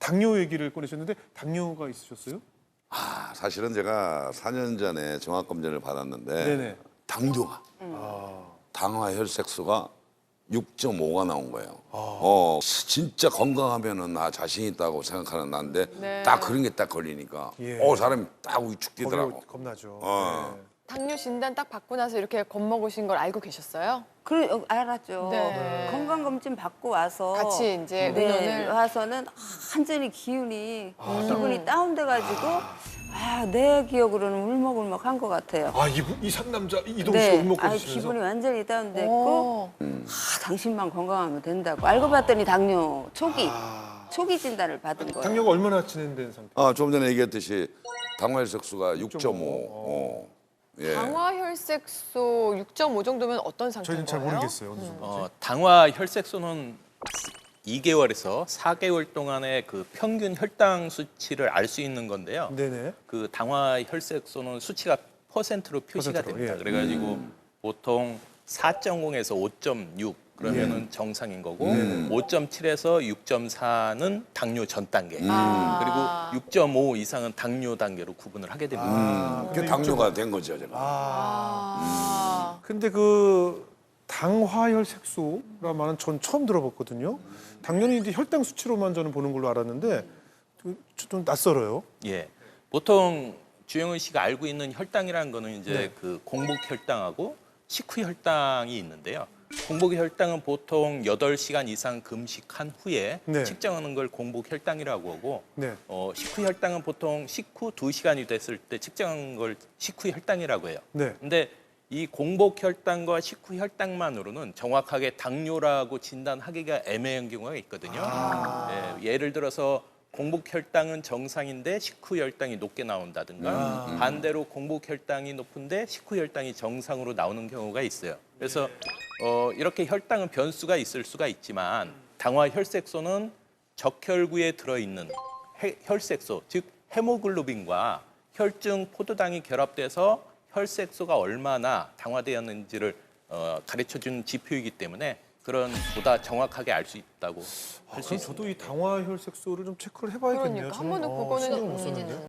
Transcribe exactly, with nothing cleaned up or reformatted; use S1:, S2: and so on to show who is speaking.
S1: 당뇨 얘기를 꺼내셨는데 당뇨가 있으셨어요?
S2: 아, 사실은 제가 사 년 전에 종합검진을 받았는데
S1: 네네.
S2: 당뇨가
S1: 아,
S2: 당화 혈색소가 육 점 오가 나온 거예요. 어, 진짜 건강하면은 나 자신 있다고 생각하는 나인데
S3: 네.
S2: 딱 그런 게 딱 걸리니까
S1: 예.
S2: 어 사람이 딱
S1: 겁이
S2: 위축되더라고.
S1: 겁나죠.
S2: 어.
S1: 네.
S3: 당뇨 진단 딱 받고 나서 이렇게 겁먹으신 걸 알고 계셨어요?
S4: 그 어, 알았죠.
S3: 네.
S4: 건강검진 받고 와서
S3: 같이 이제
S4: 네,
S3: 의논을
S4: 와서는 완전히 기운이 기분이 다운돼가지고 아, 내 기억으로는 울먹울먹한 것 같아요.
S1: 아, 이, 이 상남자 이동 씨
S4: 네,
S1: 울먹거리시면서
S4: 아, 기분이 완전히 다운됐고
S3: 오.
S4: 아, 당신만 건강하면 된다고 알고 봤더니 당뇨 초기 초기 진단을 받은 거예요.
S1: 당뇨가 얼마나 진행된 상태?
S2: 아, 조금 전에 얘기했듯이 당화 혈색소가 육 점 오. 어. 예.
S3: 당화 혈색소 육 점 오 정도면 어떤 상태인
S1: 저희는 잘
S3: 거예요?
S1: 모르겠어요. 어느 정도인지.
S5: 어, 당화 혈색소는 이 개월에서 사 개월 동안의 그 평균 혈당 수치를 알 수 있는 건데요.
S1: 네네.
S5: 그 당화 혈색소는 수치가 퍼센트로 표시가
S1: 퍼센트로,
S5: 됩니다.
S1: 예.
S5: 그래가지고 보통 사 점 영에서 오 점 육 그러면은 정상인 거고 오 점 칠에서 육 점 사는 당뇨 전 단계.
S3: 아.
S5: 그리고 육 점 오 이상은 당뇨 단계로 구분을 하게 됩니다.
S2: 음, 그 당뇨가 된 거죠, 제가.
S3: 아.
S1: 근데 그 당화혈 색소라 말은 전 처음 들어봤거든요. 당연히 이제 혈당 수치로만 저는 보는 걸로 알았는데 좀- 좀 낯설어요.
S5: 예. 보통 주영은 씨가 알고 있는 혈당이라는 거는 이제
S1: 네.
S5: 그 공복 혈당하고 식후 혈당이 있는데요. 공복 혈당은 보통 여덟 시간 이상 금식한 후에
S1: 네.
S5: 측정하는 걸 공복 혈당이라고 하고
S1: 네.
S5: 어, 식후 혈당은 보통 식후 두 시간이 됐을 때 측정한 걸 식후 혈당이라고 해요.
S1: 네.
S5: 근데 이 공복 혈당과 식후 혈당만으로는 정확하게 당뇨라고 진단하기가 애매한 경우가 있거든요. 예, 예를 들어서 공복 혈당은 정상인데 식후 혈당이 높게 나온다든가 반대로 공복 혈당이 높은데 식후 혈당이 정상으로 나오는 경우가 있어요. 그래서 어, 이렇게 혈당은 변수가 있을 수가 있지만 당화 혈색소는 적혈구에 들어있는 해- 혈색소, 즉 헤모글로빈과 혈중 포도당이 결합돼서 혈색소가 얼마나 당화되었는지를 어, 가르쳐주는 지표이기 때문에 그런 보다 정확하게 알 수 있다고
S1: 아,
S5: 할 수
S1: 그럼
S5: 있습니다.
S1: 저도 이 당화혈 색소를 좀 체크를 해봐야겠네요.
S3: 그러니까 한
S1: 저는,
S3: 번은
S1: 어,
S3: 그거는
S1: 신경 못
S3: 음.
S1: 썼는데.